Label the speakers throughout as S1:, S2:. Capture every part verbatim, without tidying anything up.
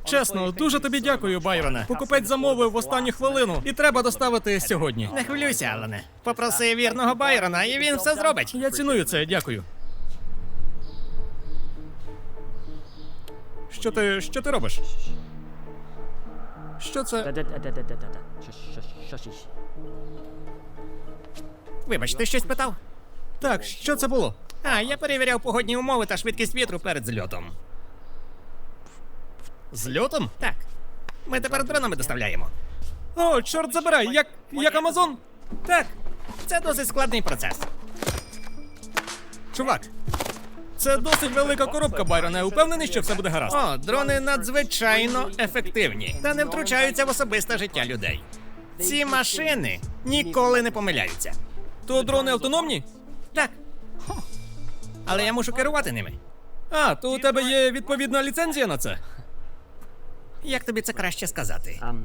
S1: Чесно, дуже тобі дякую, Байроне. Покупець замовив в останню хвилину і треба доставити сьогодні.
S2: Не хвилюйся, Алане. Попроси вірного Байрона, і він все зробить.
S1: Я ціную це, дякую. Що ти. що ти робиш? Що це?
S3: Да-да-да-да-да-да. Що-що-що-що.
S2: Вибач, ти щось питав?
S1: Так, що це було?
S2: А, я перевіряв погодні умови та швидкість вітру перед зльотом.
S1: Зльотом?
S2: Так. Ми тепер дронами доставляємо.
S1: О, чорт забирай, як. як Амазон?
S2: Так. Це досить складний процес.
S1: Чувак. Це досить велика коробка, Байроне. Упевнений, що все буде гаразд.
S2: О, дрони надзвичайно ефективні та не втручаються в особисте життя людей. Ці машини ніколи не помиляються.
S1: То дрони автономні?
S2: Так. Але я мушу керувати ними.
S1: А, то у тебе є відповідна ліцензія на це?
S2: Як тобі це краще сказати?
S3: Ам,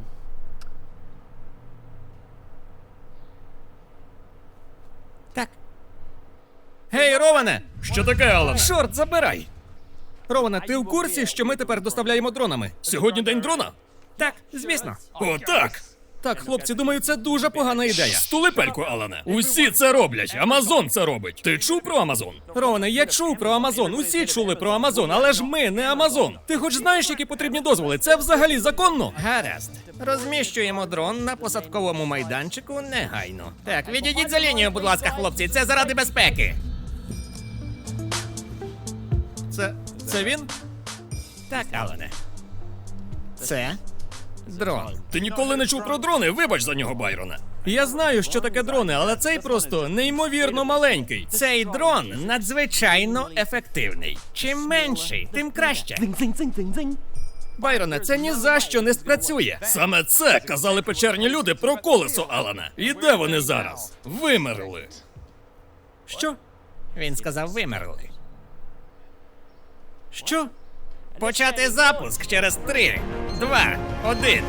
S2: Так.
S1: Гей, Роване!
S4: Що таке, Алан?
S1: Чорт, забирай! Роване, ти в курсі, що ми тепер доставляємо дронами?
S4: Сьогодні день дрона?
S2: Так, звісно.
S4: О, так!
S1: Так, хлопці, думаю, це дуже погана ідея.
S4: Стули пельку, Алане. Усі це роблять. Амазон це робить. Ти чув про Амазон?
S1: Роване, я чув про Амазон, усі чули про Амазон, але ж ми не Амазон. Ти хоч знаєш, які потрібні дозволи? Це взагалі законно?
S2: Гаразд. Розміщуємо дрон на посадковому майданчику негайно. Так, відійдіть за лінію, будь ласка, хлопці, це заради безпеки.
S1: Це. це він?
S2: Так, Алане. Це дрон.
S4: Ти ніколи не чув про дрони? Вибач за нього, Байрона.
S1: Я знаю, що таке дрони, але цей просто неймовірно маленький.
S2: Цей дрон надзвичайно ефективний. Чим менший, тим краще.
S3: дзинь-дзинь-дзинь-дзинь.
S1: Байроне, це ні за що не спрацює.
S4: Саме це казали печерні люди про колесо, Алана. І де вони зараз? Вимерли.
S1: Що?
S2: Він сказав, вимерли.
S1: Що?
S2: Почати запуск через три, два, один.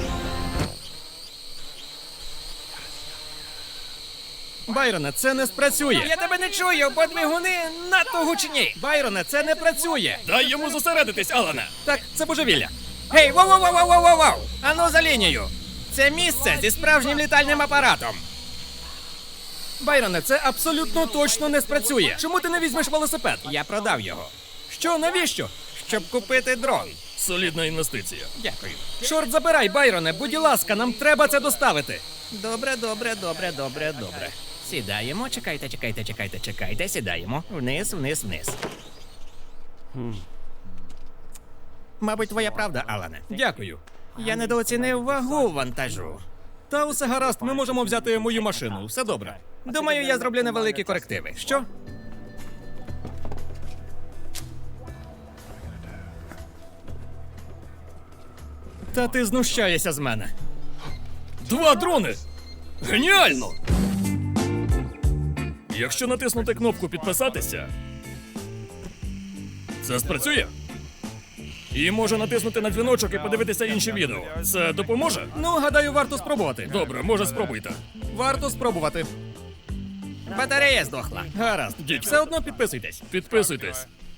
S1: Байроне, це не спрацює.
S2: Я тебе не чую, бо двигуни надто гучні.
S1: Байроне, це не працює.
S4: Дай йому зосередитись, Алана.
S1: Так, це божевілля.
S2: Гей, воу-воу-воу-воу-воу-воу! Ану за лінію. Це місце зі справжнім літальним апаратом.
S1: Байроне, це абсолютно точно не спрацює. Чому ти не візьмеш велосипед?
S2: Я продав його,
S1: Що, навіщо?
S2: щоб купити дрон.
S4: Солідна інвестиція.
S2: Дякую.
S1: Чорт забирай, Байроне, будь ласка, нам треба це доставити.
S2: Добре, добре, добре, добре, добре. Сідаємо, чекайте, чекайте, чекайте, чекайте, сідаємо. Вниз, вниз, вниз. Мабуть, твоя правда, Алане.
S1: Дякую.
S2: Я недооцінив вагу вантажу.
S1: Та усе гаразд, ми можемо взяти мою машину. Все добре.
S2: Думаю, я зроблю невеликі корективи.
S1: Що? Та ти знущаєшся з мене.
S4: Два дрони! Геніально! Якщо натиснути кнопку підписатися, це спрацює. І може натиснути на дзвіночок і подивитися інші відео. Це допоможе?
S1: Ну, гадаю, варто спробувати.
S4: Добре, може спробуйте.
S1: Варто спробувати.
S2: Батарея здохла.
S1: Гаразд.
S4: Дідько.
S1: Все одно підписуйтесь.
S4: Підписуйтесь.